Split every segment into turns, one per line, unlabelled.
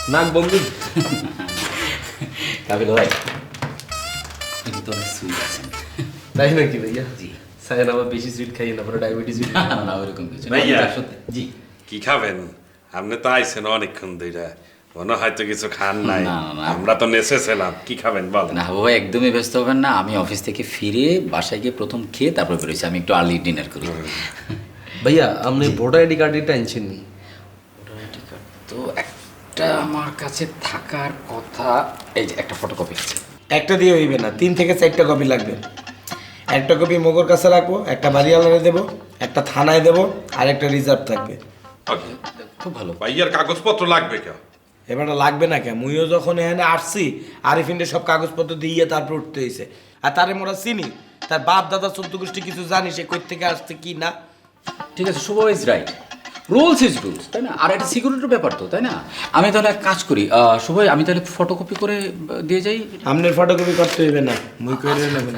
নাক বন্ধু।
কাবিল ভাই কিন্তু তো অনেক সুইট আছেন।
তাই নাকি ভাইয়া?
জি।
সাইন আবার বেশি সুইট খাই না, পরে ডায়াবেটিস।
না না ওরকম কিছু না।
ভাইয়া।
সত্যি জি।
কি খাবেন? আপনি তো আইছেন অনেকক্ষণ ধরে, মনে হয়তো কিছু খান নাই।
না, না, না।
আমরা তো নেচেছিলাম, কি খাবেন বলেন?
না বাবা একদমই ব্যস্ত হবেন না, আমি অফিস থেকে ফিরে বাসায় গিয়ে প্রথম খেয়ে তারপর বেরোচ্ছি। আমি একটু আর্লি ডিনার করি।
ভাইয়া আপনি ভোটার আইডি কার্ডটা আনছেন নি?
আইডি কার্ড তো একটা আমার কাছে থাকার কথা। এই যে একটা ফটোকপি আছে।
একটা দিয়ে হইবে না, 3 থেকে 4টা কপি লাগবে। একটা কপি মগর কাছে রাখবো, একটা বাড়িওয়ালারে দেবো, একটা থানায় দেবো, আর একটা রিজার্ভ থাকবে।
ওকে।
খুব ভালো।
ভাইয়ার কাগজপত্র লাগবে কেউ?
এবারটা লাগবে না কেন? মুইও যখন এখানে আসছি আরিফিনদের সব কাগজপত্র দিয়ে তারপর উঠতে হয়েছে। আর তারে মোরা চিনি, তার বাপ দাদা 14 গোষ্ঠী কিছু জানি, সে কই থেকে আসছে কি না।
ঠিক আছে, Shubho is right, rules is rules, তাই না? আর এটা সিকিউরিটির ব্যাপার তো, তাই না? আমি তাহলে এক কাজ করি, শুভ আমি তাহলে ফটোকপি করে দিয়ে যাই।
আমনের ফটোকপি করতে হইবে না, মুই করে নেবেন।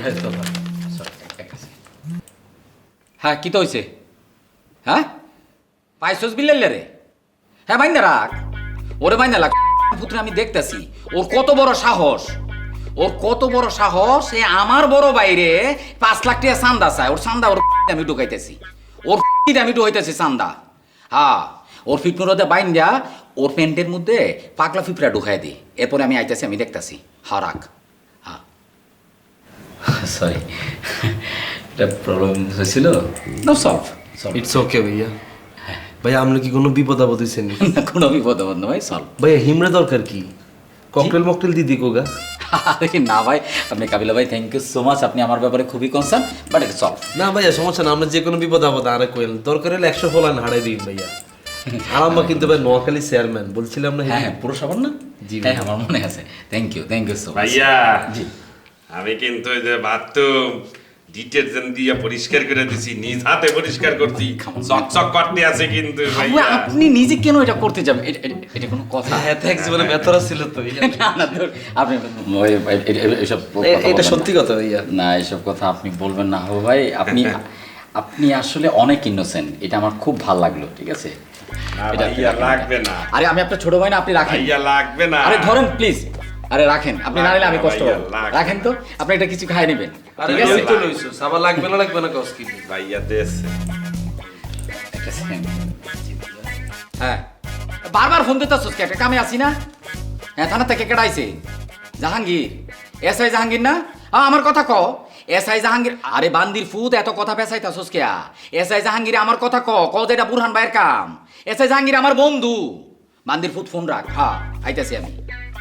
হ্যাঁ কি তো হয়েছে? হ্যাঁ পাইছস বিল্লাইলে রে? হ্যাঁ বাইন্দা রাখ, ওরে বাইন্দা লাগ পুত্র। আমি দেখতেছি ওর কত বড় সাহস, ওর কত বড় সাহস। এ আমার বড় বাইরে 5 লাখ টাকা চান্দা চায়। ওর চান্দা ওর আমি ঢুকাইতেছি, ওর আমি ঢুকাইতেছি চান্দা। হ্যাঁ ওর ফিটমুরতে বাইন্দা ওর প্যান্টের মধ্যে পাগলা ফিপড়া ঢুকাই দিই। এরপরে আমি আইতেছি, আমি দেখতেছি। হ্যাঁ রাখ। হ্যাঁ সরি, এটা প্রবলেম হয়েছিল। No solve.
ইটস ওকে ভাইয়া। ভাইয়া আপনি কি কোনো বিপদ আপদ হয়েছেন নি?
কোনো বিপদ আপদ না ভাই, সলভ।
ভাইয়া হিমড়ে দরকার কি? ককটেল মকটেল দিদি কোগা?
আরে না ভাই, আপনি কাবিলা ভাই থ্যাংক ইউ সো মাচ, আপনি আমার ব্যাপারে খুবই কনসার্ন, বাট এটা সলভ।
না ভাইয়া সমস্যা না, আমরা যে কোনো বিপদ আপদ আরে কইলেন দরকার হলে 100 ফলান হারাই দিন ভাইয়া। আর আমরা কিন্তু ভাই নোয়াখালী চেয়ারম্যান বলছিলাম না?
হ্যাঁ হ্যাঁ পুরো সাবান না?
জি
হ্যাঁ আমার মনে আছে। থ্যাংক ইউ সো মাচ
ভাইয়া
জি।
আমি কিন্তু ওই যে বাথরুম ডিটারজেন্ট দিয়ে পরিষ্কার করে দিছি, নিজ হাতে পরিষ্কার করছি, চকচক করতে আছে কিন্তু ভাইয়া।
আপনি নিজে কেন এটা করতে যাবেন? এটা কোনো কথা?
হ্যাঁ থ্যাঙ্কস বলে বেতরা ছিল তো।
না না ধর, আপনি এসব
এটা সত্যি কথা ভাইয়া।
না এসব কথা আপনি বলবেন না হো ভাই। আপনি আসলে অনেক ইনোসেন্ট, এটা আমার খুব ভালো লাগলো। ঠিক আছে,
না
এটা
ভাইয়া লাগবে না।
আরে আমি আপনার ছোট ভাই না, আপনি রাখেন।
ভাইয়া লাগবে না।
আরে ধরেন প্লিজ, আরে রাখেন, আপনি না নিলে আমি কষ্ট
ভাইয়া,
পাবো।
লাগবে
রাখেন তো, আপনি এটা কিছু খাই নেবেন।
আরে
ঠিক আছে
ওই তো লইছো, সাবা লাগবে না কস কি?
ভাইয়া দেশে
একটা second। হ্যাঁ বারবার ফোন দিতে আসছিস, একটা কামে আসি না? হ্যাঁ থানা থেকে কেডাইছে? জাহাঙ্গীর, এসআই জাহাঙ্গীর না? আমার কথা ক। এসআই জাহাঙ্গীর, আরে বান্দির ফুত এত কথা পেছাইতাছস কেয়া? এসআই জাহাঙ্গীর আমার কথা ক যে এটা বুরহান ভাইয়ের কাম। এসআই জাহাঙ্গীর আমার বন্ধু। বান্দির ফুত ফোন রাখ। হ্যাঁ আইতাছি আমি।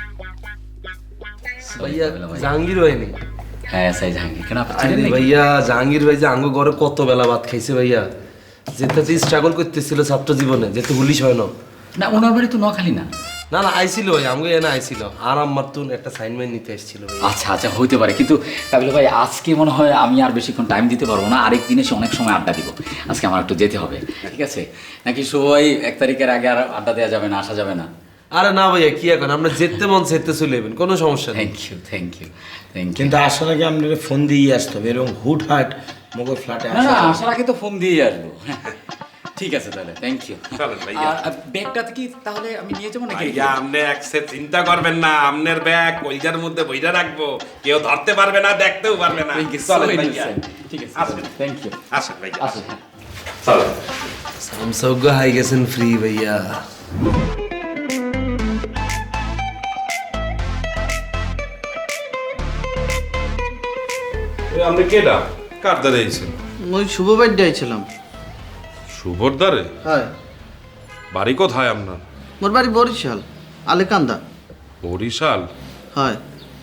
ভাইয়া জাহাঙ্গীর ভাই নেই?
হ্যাঁ এসআই জাহাঙ্গীর, কেন আপনি
আরে
চিনেন নাকি?
ভাইয়া জাহাঙ্গীর ভাই যে আঙ্গ ঘরে কত বেলা ভাত খাইছে ভাইয়া, যেতে যে স্ট্রাগল করতেছিল ছাত্র জীবনে, যেতে পুলিশ হয় না।
না ওনার বাড়ি তো নোয়াখালী না?
না না আইছিল ভাই, আমাকে এনে আইছিল আর আমার তো একটা সাইনমেন্ট নিতে এসেছিল ভাই।
আচ্ছা আচ্ছা হইতে পারে, কিন্তু কাবিল ভাই আজকে মনে হয় আমি আর বেশিক্ষণ টাইম দিতে পারবো না। আরেক দিন এসে অনেক সময় আড্ডা দিব। আজকে আমার একটু যেতে হবে। ঠিক আছে নাকি সবাই 1 তারিখের আগে আর আড্ডা দেওয়া যাবে না, আসা যাবে না?
আরে না ভাইয়া কি এখন, আমরা যেতে মন যেতে চলে যাবেন, কোনো সমস্যা নেই।
Thank you.
কিন্তু আসার আগে আপনার ফোন দিয়ে আসতে হবে, এরকম হুটহাট মগর ফ্ল্যাটে
না না
আসা।
আসার আগে তো ফোন দিয়ে আসবো। ঠিক আছে তাহলে থ্যাংক ইউ।
চলেন ভাইয়া।
ব্যাগটা কি তাহলে আমি নিয়ে যাবো নাকি?
ভাইয়া আপনি একসে চিন্তা করবেন না, আপনার ব্যাগ কলজার মধ্যে বইরা রাখবো, কেউ ধরতে পারবে না, দেখতেও পারবে না।
Thank you, so
চলেন ভাইয়া।
innocent. ঠিক আছে
আসেন।
Thank you.
আসেন ভাইয়া
আসুন।
চলেন।
সামসৌগ হাই গেছেন ফ্রি ভাইয়া।
আপনি কেডা? কার দ্বারে আইছেন?
ওই শুভ বাড়িতে আইছিলাম।
শুভর দ্বারে?
হ্যাঁ
বাড়ি কোথায় আপনার?
মোর বাড়ি বরিশাল, আলেকান্দা।
বরিশাল?
হয়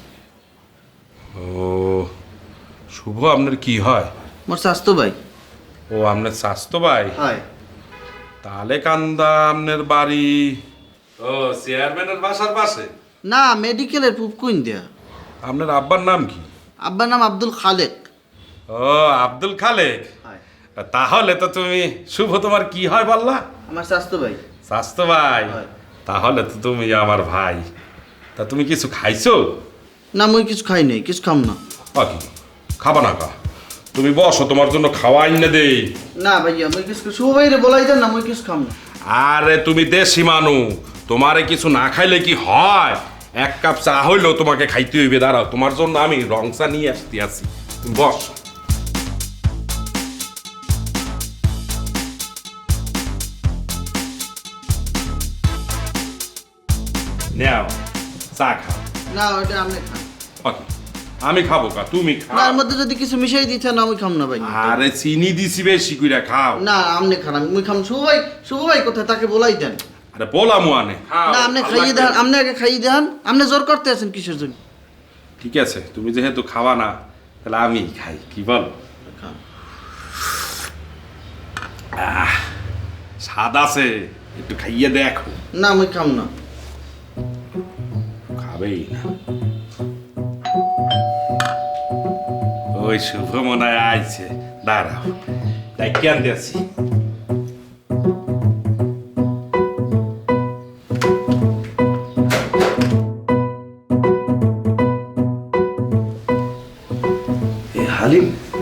ও শুভ আপনার কি হয়?
মোর স্বাস্থ্য ভাই।
ও আপনার স্বাস্থ্য ভাই?
হয়
তাহলে কান্দা আপনার বাড়ি ও চেয়ারম্যানের বাসার পাশে?
না, মেডিকেলের পুপকুইন দেয়া।
আপনার আব্বার নাম কি?
আব্বার নাম আব্দুল খালেক।
ও আব্দুল খালেক।
হয়
তাহলে তো তুমি শুভ তোমার কি হয় বললা?
আমার স্বাস্থ্য ভাই।
স্বাস্থ্য ভাই?
হয়।
তাহলে তো তুমি আমার ভাই। তা তুমি কিছু খাইছো?
না মুই কিছু খাই নাই, কিছু খাম না।
বাকি খাবা না কা? তুমি বসো, তোমার জন্য খাওয়া এনে দেই।
না ভাইয়া মুই কিছু শুভ ভাইরে বলাই দেন না, মুই কিছু খাম না।
আরে তুমি দেশি মানু, তোমারে কিছু না খাইলে কি হয়? এক কাপ চা হইলেও তোমাকে খাইতে হইবে। দাঁড়াও, তোমার জন্য আমি রং চা নিয়ে আসতে আছি। তুমি বস। নাও চা খাও।
না ওটা আপনি খান।
ওকে, আমি খাবো কা, তুমি
না
খাও।
এর মধ্যে যদি কিছু মিশাই দিতে না আমি খাম না ভাই।
আরে চিনি দিছি বেশি কইরা খাও।
না আপনি খান, আমি খাম। শুভ ভাই কোথায়, তাকে বলাই দেন।
আরে বলা মুয়ানে খাও।
না আপনি
ভালো
খাইয়ে
লাগবে।
দেন, আপনি আগে খাইয়ে দেন। আপনি জোর করতে আছেন কিসের জন্য?
ঠিক আছে, তুমি যেহেতু খাওয়া না, তাহলে আমি খাই, কি বল?
খান।
স্বাদ আছে, একটু খাইয়ে দেখো।
না আমি খাম না।
খাবেই না। ওই শুভ মনে হয় আইছে, দাঁড়াও, তাই কেন দিয়েছি।
হালিম,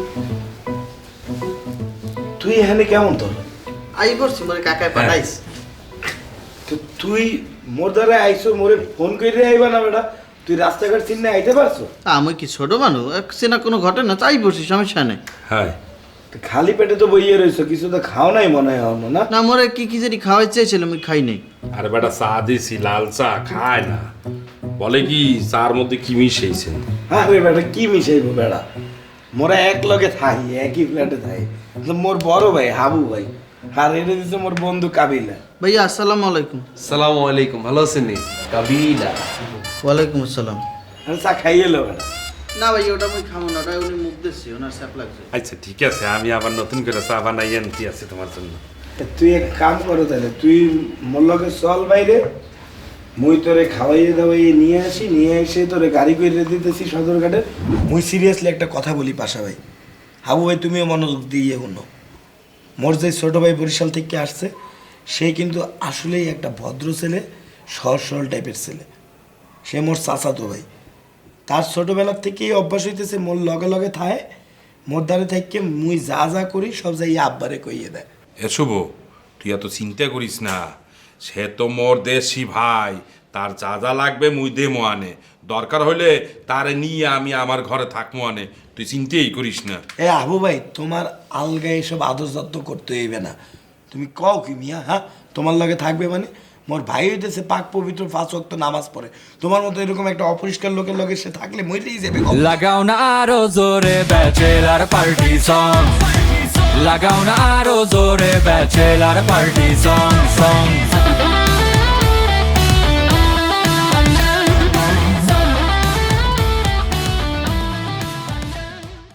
তুই এখানে কেমন তোর?
আই করছি মোরে কাকায় পাঠাইস।
তো তুই মোর দ্বারা আইসো, মোরে ফোন করে আইবা না বেটা? তুই রাস্তাঘাট চিনে আইতে পারছো?
আমি কি ছোট মানুষ, চেনা কোনো ঘটনা, তাই বসি, সমস্যা নেই।
হ্যাঁ,
তো খালি পেটে তো বইয়ে রয়েছো, কিছু তো খাও নাই মনে হয় এখনো, না?
না মোরে কি কি জানি খাওয়াই চেয়েছিলাম, আমি খাই নাই।
আরে বেটা চা দিছি, লাল চা খায় না। বলে কি চার মধ্যে কি মিশাইছেন?
আরে বেটা কি মিশাইবো বেটা, মোরা এক লগে থাই, একই ফ্ল্যাটে থাই। তো মোর বড় ভাই হাবু ভাই, আর এটা দিচ্ছে মোর বন্ধু কাবিলা।
ভাইয়া আসসালামু আলাইকুম।
সালামু আলাইকুম, ভালো আছেন নি? কাবিলা।
ওয়ালাইকুম আসসালাম।
আর চা খাইয়ে এলো বেটা।
না ভাই ওটা আমি খাবো না, ওটা উনি মুখ দিচ্ছি, ওনার স্যাপ লাগছে।
আচ্ছা ঠিক আছে, আমি আবার নতুন করে চা বানাই আনতে আছি তোমার জন্য।
তা তুই এক কাম করো তাহলে, তুই মোর লগে চল বাইরে, মুই তোরে খাওয়াইয়ে দাওয়াইয়ে নিয়ে আসি, নিয়ে এসে তোরে গাড়ি করে দিতেছি সদরঘাটে। মুই সিরিয়াসলি একটা কথা বলি পাশা ভাই, হাবু ভাই তুমিও মনোযোগ দিয়ে শুনো। মোর যে ছোটো ভাই বরিশাল থেকে আসছে, সে কিন্তু আসলেই একটা ভদ্র ছেলে, সহজ সরল টাইপের ছেলে। সে মোর চাচাতো ভাই। তার ছোটোবেলার থেকেই অভ্যাস হইতেছে মোর লগে লগে থায়, মোর দ্বারে থেকে মুই যা যা করি সব যাই আব্বারে কইয়ে দেয়।
এ শুভ, তুই এত চিন্তা করিস না। সে তো মোর দেশি ভাই, তার যা যা লাগবে মুই দেমো আনে। দরকার হলে তারে নিয়ে আমি আমার ঘরে থাকবো আনে। তুই চিন্তাই করিস না।
এ আবু ভাই, তোমার আলগা এসব আদর যত্ন করতে হইবে না। তুমি কও কি মিয়া, হ্যাঁ তোমার লগে থাকবে মানে? মোর ভাই হইতেছে পাক পবিত্র 5 ওয়াক্ত নামাজ পড়ে। তোমার মতো এরকম একটা অপরিষ্কার লোকের লগে সে থাকলে মইরেই যাবে।
লাগাও না আরো জোরে ব্যাচেলার পার্টি সং, লাগাও না আরো জোরে ব্যাচেলার পার্টি সং।